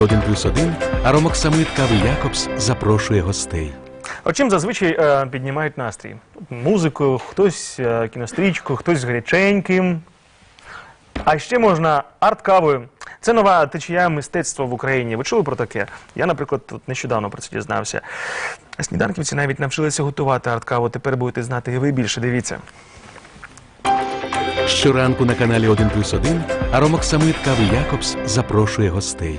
1+1 Аромоксамид кави Якобс запрошує гостей. От чим зазвичай піднімають настрій? Музикою, хтось кінострічкою, хтось з гаряченьким. А ще можна арт-кавою. Це нова течія мистецтва в Україні. Ви чули про таке? Я, наприклад, тут нещодавно про це дізнався. Сніданківці навіть навчилися готувати арт-каву. Тепер будете знати і ви більше. Дивіться. Щоранку на каналі 1+1 Аромоксамид кави Якобс запрошує гостей.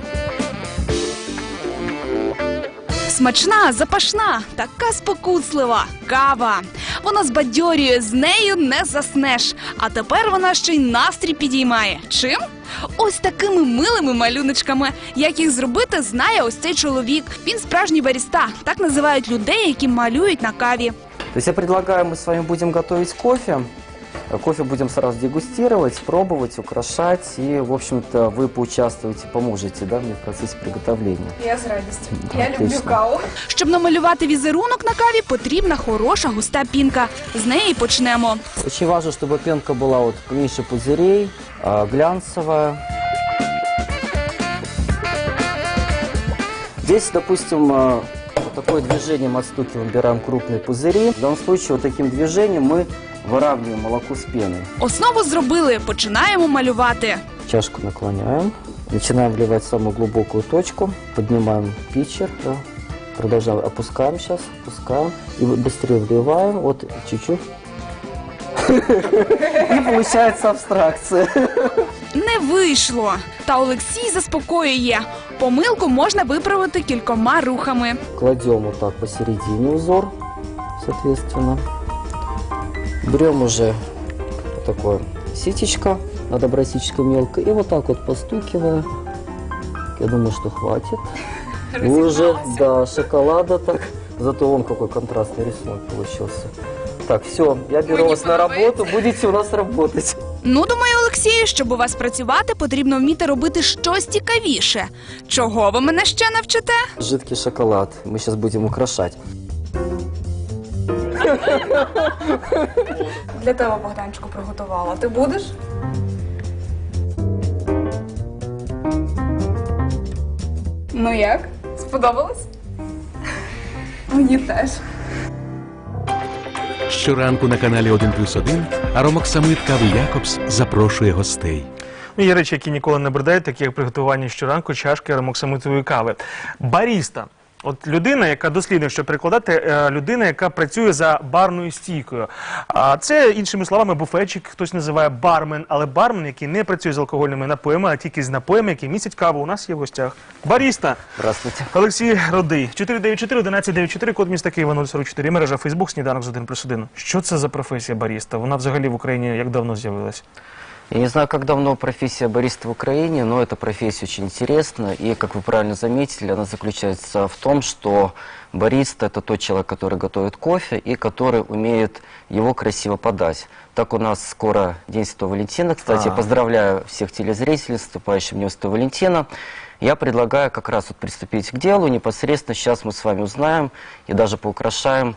Смачна, запашна, така спокуслива кава. Вона збадьорює, з нею не заснеш. А тепер вона ще й настрій підіймає. Чим? Ось такими милими малюночками. Як їх зробити, знає ось цей чоловік. Він справжній баріста. Так називають людей, які малюють на каві. То есть я предлагаю, мы с вами будем готовить кофе. Кофе будем сразу дегустировать, пробовать, украшать. И, в общем-то, вы поучаствуете, поможете, да, мне в процессе приготовления. Я з радістю. Да, Я люблю отлично. каву. Щоб намалювати візерунок на каві, потрібна хороша густа пінка. З неї почнемо. Очень важно, чтобы пенка была вот меньше пузырей, глянцевая. Здесь, допустим, вот такое движением отстукиваем, убираем крупные пузыри. В данном случае вот таким движением мы выравниваем молоко с пеной. Основу зробили, починаємо малювати. Чашку наклоняем, начинаем вливать самую глубокую точку, поднимаем питчер, да, продолжаем, опускаем сейчас, опускаем и быстрее вливаем, вот чуть-чуть. И получается абстракция. Не вийшло. Та Олексій заспокоює. Помилку можна виправити кількома рухами. Кладем вот так посередине узор, соответственно. Берем уже вот такое ситечко, надо брать ситечко мелко, и вот так вот постукивая. Я думаю, что хватит. Уже, да, шоколада так. Зато вон какой контрастный рисунок получился. Так, все, я беру вас на работу, будете у нас работать. Ну, думаю, Олексію, щоб у вас працювати, потрібно вміти робити щось цікавіше. Чого ви мене ще навчите? Жидкий шоколад мы сейчас будем украшать. Для тебе, Богданчику, приготувала. Ти будеш? Ну як? Сподобалось? Мені теж. Щоранку на каналі 1+1 Аромоксамид кави Якобс запрошує гостей. Ну, є речі, які ніколи не бредають, такі як приготування щоранку чашки аромоксамитової кави. Баріста. От людина, яка дослідно, що перекладати, людина, яка працює за барною стійкою. А це, іншими словами, буфетчик, хтось називає бармен, але бармен, який не працює з алкогольними напоями, а тільки з напоями, які містять каву. У нас є в гостях баріста. Здравствуйте. Олексій Родий. 494-1194, код міста Києва 044, мережа Фейсбук, сніданок з 1+1. Що це за професія баріста? Вона взагалі в Україні як давно з'явилась? Я не знаю, как давно профессия бариста в Украине, но эта профессия очень интересна. И, как вы правильно заметили, она заключается в том, что бариста – это тот человек, который готовит кофе и который умеет его красиво подать. Так у нас скоро День Святого Валентина. Кстати, я поздравляю всех телезрителей с наступающим Днем Святого Валентина. Я предлагаю как раз вот приступить к делу. Непосредственно сейчас мы с вами узнаем и даже поукрашаем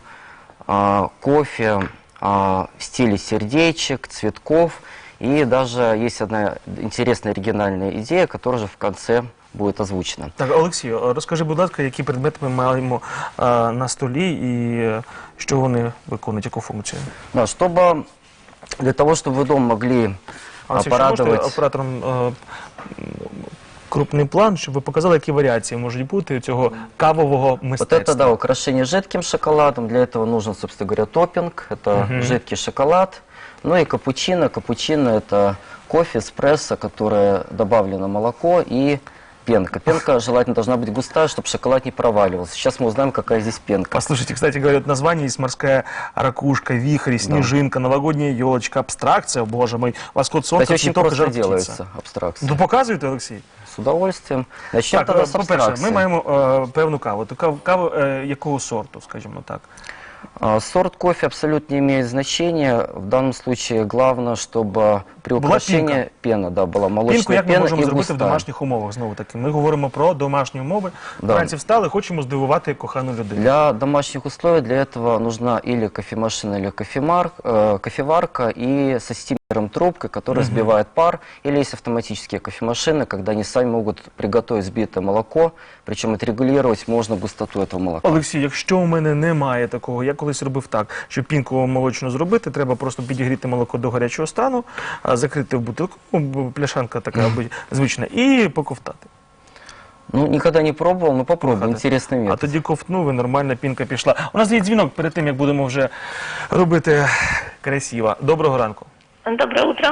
кофе в стиле сердечек, цветков. И даже есть одна интересная оригинальная идея, которая же в конце будет озвучена. Так, Олексію, розкажи, будь ласка, які предмети ми маємо на столі і що вони виконують, яку функцію? Да, для того, чтобы вы дома могли порадовать... Можете оператором крупний план, щоб ви показали, які варіації можуть бути цього кавового мистецтва? Вот это, да, украшение жидким шоколадом. Для этого нужен, собственно говоря, топпинг. Это жидкий шоколад. Ну и капучино. Капучино – это кофе, эспрессо, которое добавлено молоко и пенка. Пенка желательно должна быть густая, чтобы шоколад не проваливался. Сейчас мы узнаем, какая здесь пенка. Послушайте, кстати, говорят, название есть морская ракушка, вихрь, снежинка, новогодняя елочка, абстракция, боже мой, восход солнца, Кстати, очень цветок и просто жар птица. делается абстракция. Ну, показуєте, Олексій? С удовольствием. Начнем тогда с по-перше, абстракции. ми маємо певну каву. Каву якого сорту, скажімо так? Сорт кофе абсолютно не имеет значения. В данном случае главное, чтобы при Была украшении пена, да, была молочная Пінку як ми пена можемо и зробити в густая. домашніх умовах? Знову таки, ми говоримо про домашні умови. Да. Вранці встали, хочемо здивувати кохану людину. Для домашних условий для этого нужна или кофемашина, или кофеварка и со стимером трубкой, который сбивает пар, или есть автоматические кофемашины, когда они сами могут приготовить сбитое молоко, причем отрегулировать можно густоту этого молока. Олексій, якщо у мене немає такого, я колись робив так, щоб пінку молочну зробити, треба просто підігріти молоко до гарячого стану, закрити в бутилку, пляшанка така звична, і поковтати. Ну, никогда не пробовал, но попробуй, интересный А метод. тоді ковтнув і нормальна пінка пішла. У нас є дзвінок перед тим, як будемо вже робити красиво. Доброго ранку. Доброе утро.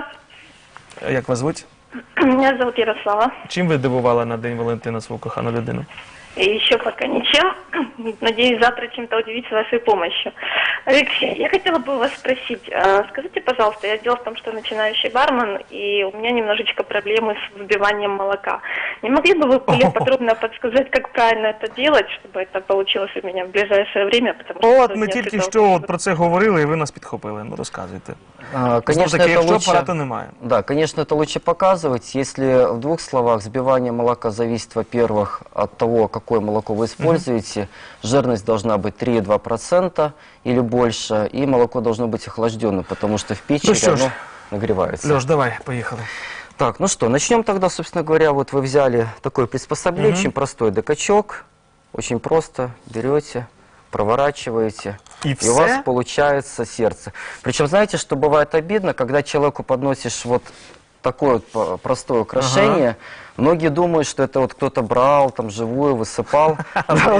Як вас звуть? Меня зовут Ярослава. Чим ви дивували на День Валентина свою кохану людину? И еще пока ничем. Надеюсь, завтра чем-то удивить с вашей помощью. Алексей, я хотела бы у вас спросить. Скажите, пожалуйста, дело в том, что начинающий бармен, и у меня немножечко проблемы с взбиванием молока. Не могли бы вы более подробно подсказать, как правильно это делать, чтобы это получилось у меня в ближайшее время? Потому что От ми сегодня тільки это- що про це говорили, і ви нас підхопили. Ну, розказуйте. Конечно, Знову таки, это якщо лучше... апарату немає. Да, конечно, это лучше показывать. Если в двух словах, взбивание молока зависит, во-первых, от того, какое молоко вы используете. Жирность должна быть 3,2% или больше, и молоко должно быть охлажденным, потому что в печи Ну что ж, оно нагревается. Льош, давай, поїхали. Так, ну что, начнем тогда, собственно говоря, вот вы взяли такое приспособление, очень простой докачок, очень просто берете, проворачиваете, И у вас все? получается сердце. Причем, знаете, что бывает обидно, когда человеку подносишь вот такое вот простое украшение, многие думают, что это вот кто-то брал, там, живую, высыпал. Да,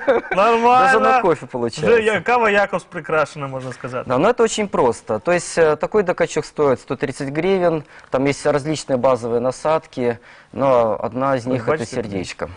даже на кофе Вже получается. кава Якобс прикрашена, можна сказати. Да, но это очень просто. То есть такой докачок стоит 130 гривен, там есть различные базовые насадки, но одна из них это бачите? сердечко.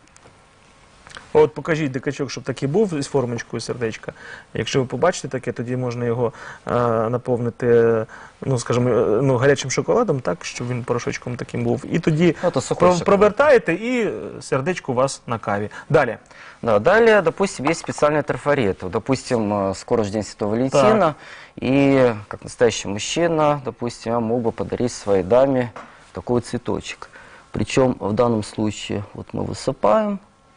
От покажіть дикачок, щоб такий був із формочкою сердечка. Якщо ви побачите таке, тоді можна його наповнити, ну, скажімо, ну, гарячим шоколадом, так, щоб він порошочком таким був. І тоді Ну, то сухой шоколад. провертаєте, і сердечко у вас на каві. Далі. Да, далее, допустим, есть специальные трафареты. Допустим, скоро же День Святого Валентина, и как настоящий мужчина, допустим, я мог бы подарить своей даме такой цветочек. Причем в данном случае вот мы высыпаем,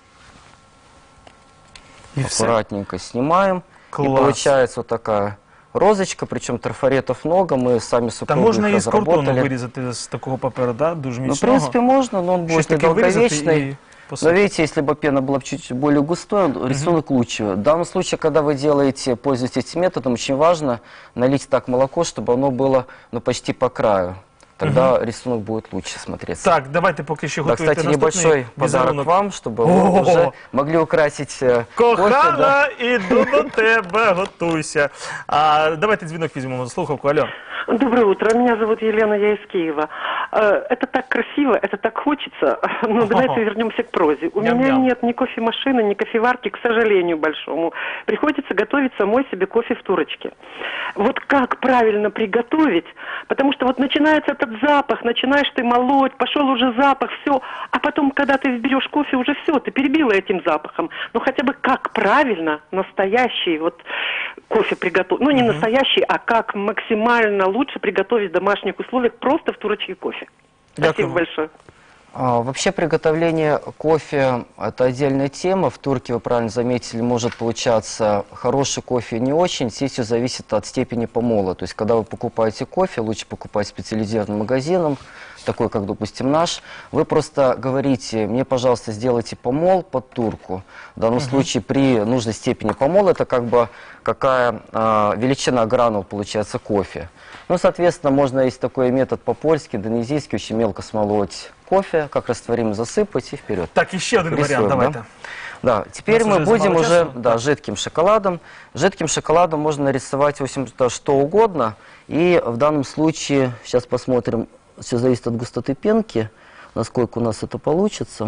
І все. аккуратненько снимаем, Класс. и получается вот такая розочка, причем трафаретов много, мы сами с Та супругой можна их і з картону разработали. вирізати з такого паперу, да? Дуже Ну, в міцного. принципе, можно, но он Щось будет таке вирізати недолговечный. і Но посипати. видите, если бы пена была чуть более густой, рисунок лучше. В данном случае, когда вы делаете, пользуетесь этим методом, очень важно налить так молоко, чтобы оно было, ну, почти по краю. Тогда рисунок будет лучше смотреться. Так, давайте поки що Да, готуйте кстати, наступний небольшой подарок візерунок. вам, чтобы вы О-о-о! уже могли украсить кофе. Да. Кохана, іду до тебе, готуйся. Давайте дзвінок візьмемо, слухавку, алло. Доброе утро, меня зовут Елена, я из Киева. Это так красиво, это так хочется, но давайте вернемся к прозе. У меня Ням-ням. нет ни кофемашины, ни кофеварки, к сожалению большому. Приходится готовить самой себе кофе в турочке. Вот как правильно приготовить, потому что вот начинается этот запах, начинаешь ты молоть, пошел уже запах, все, а потом, когда ты берешь кофе, уже все, ты перебила этим запахом. Ну хотя бы как правильно настоящий вот кофе приготовить, ну не настоящий, а как максимально лучше приготовить в домашних условиях просто в турочке кофе. Спасибо Дякую. большое. Вообще приготовление кофе – это отдельная тема. В турке, вы правильно заметили, может получаться хороший кофе и не очень. Здесь все зависит от степени помола. То есть, когда вы покупаете кофе, лучше покупать специализированным магазином, такой, как, допустим, наш. Вы просто говорите, мне, пожалуйста, сделайте помол под турку. В данном случае при нужной степени помола это как бы какая величина гранул получается кофе. Ну, соответственно, можно, есть такой метод по-польски, индонезийский, очень мелко смолоть кофе, как растворимый засыпать и вперед. Так, і ще один Рисуем, варіант, давайте. Да, теперь У нас мы уже будем мало уже, часу, да, так. жидким шоколадом. Жидким шоколадом можно нарисовать, в общем-то, что угодно. И в данном случае, сейчас посмотрим, все зависит от густоты пенки, насколько у нас это получится.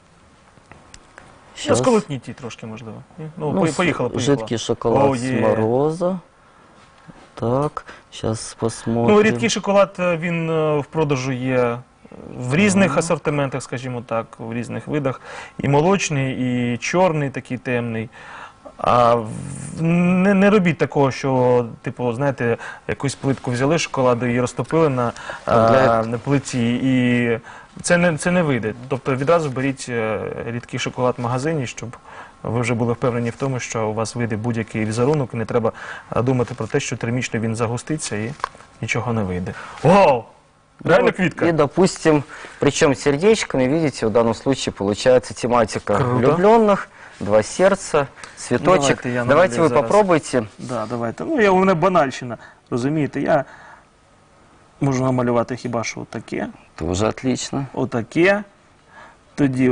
Ну, сколотніть її трошки, можливо. Ні? Ну, поїхала. Жидкий шоколад О, с є. мороза. Так, сейчас посмотрим. Ну, рідкий шоколад, він в продажу є в різних асортиментах, скажімо так, в різних видах. І молочний, і чорний, такий темний. Не робіть такого, що, типу, знаєте, якусь плитку взяли шоколаду і розтопили на плиті, і це не вийде. Тобто відразу беріть рідкий шоколад в магазині, щоб ви вже були впевнені в тому, що у вас вийде будь-який візерунок, і не треба думати про те, що термічно він загуститься і нічого не вийде. Вау! Реально квітка. И, допустим, причем сердечками, видите, в данном случае получается тематика Круто. влюбленных, два сердца, цветочек. Давайте я Давайте намалюю вы зараз. попробуйте. Да, давайте. Ну, у мене банальщина, розумієте, я можу намалювати хіба що отаке, Тоже отлично. отаке, тоді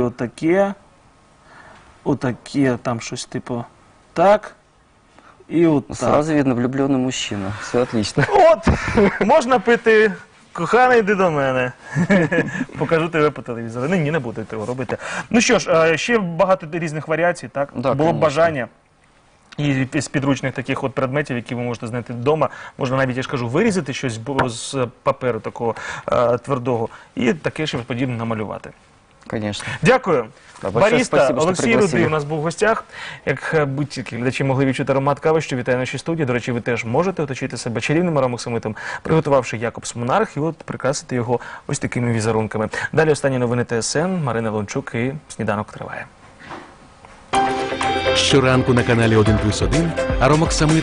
отаке, там щось типу так, і отак. Сразу видно влюбленный мужчина. Все отлично. От, можна пити, коханий, йди до мене. Покажу тебе по телевізору. Ні, не буду того робити. Ну що ж, ще багато різних варіацій, так? Да, Було б конечно. бажання. І з підручних таких от предметів, які ви можете знайти вдома, можна навіть, я ж кажу, вирізати щось з паперу такого твердого і таке ж подібне намалювати. Конечно. Дякую. Да, большое Баріста спасибо, що Олексій пригласили. Рудий у нас був в гостях. Як будь-які глядачі могли відчути аромат кави, що вітає нашій студії. До речі, ви теж можете оточити себе чарівним аромоксамитом, приготувавши Якобс Монарх, і от прикрасити його ось такими візерунками. Далі останні новини ТСН, Марина Лончук і «Сніданок триває». Щоранку на каналі 1+1 Аромоксамит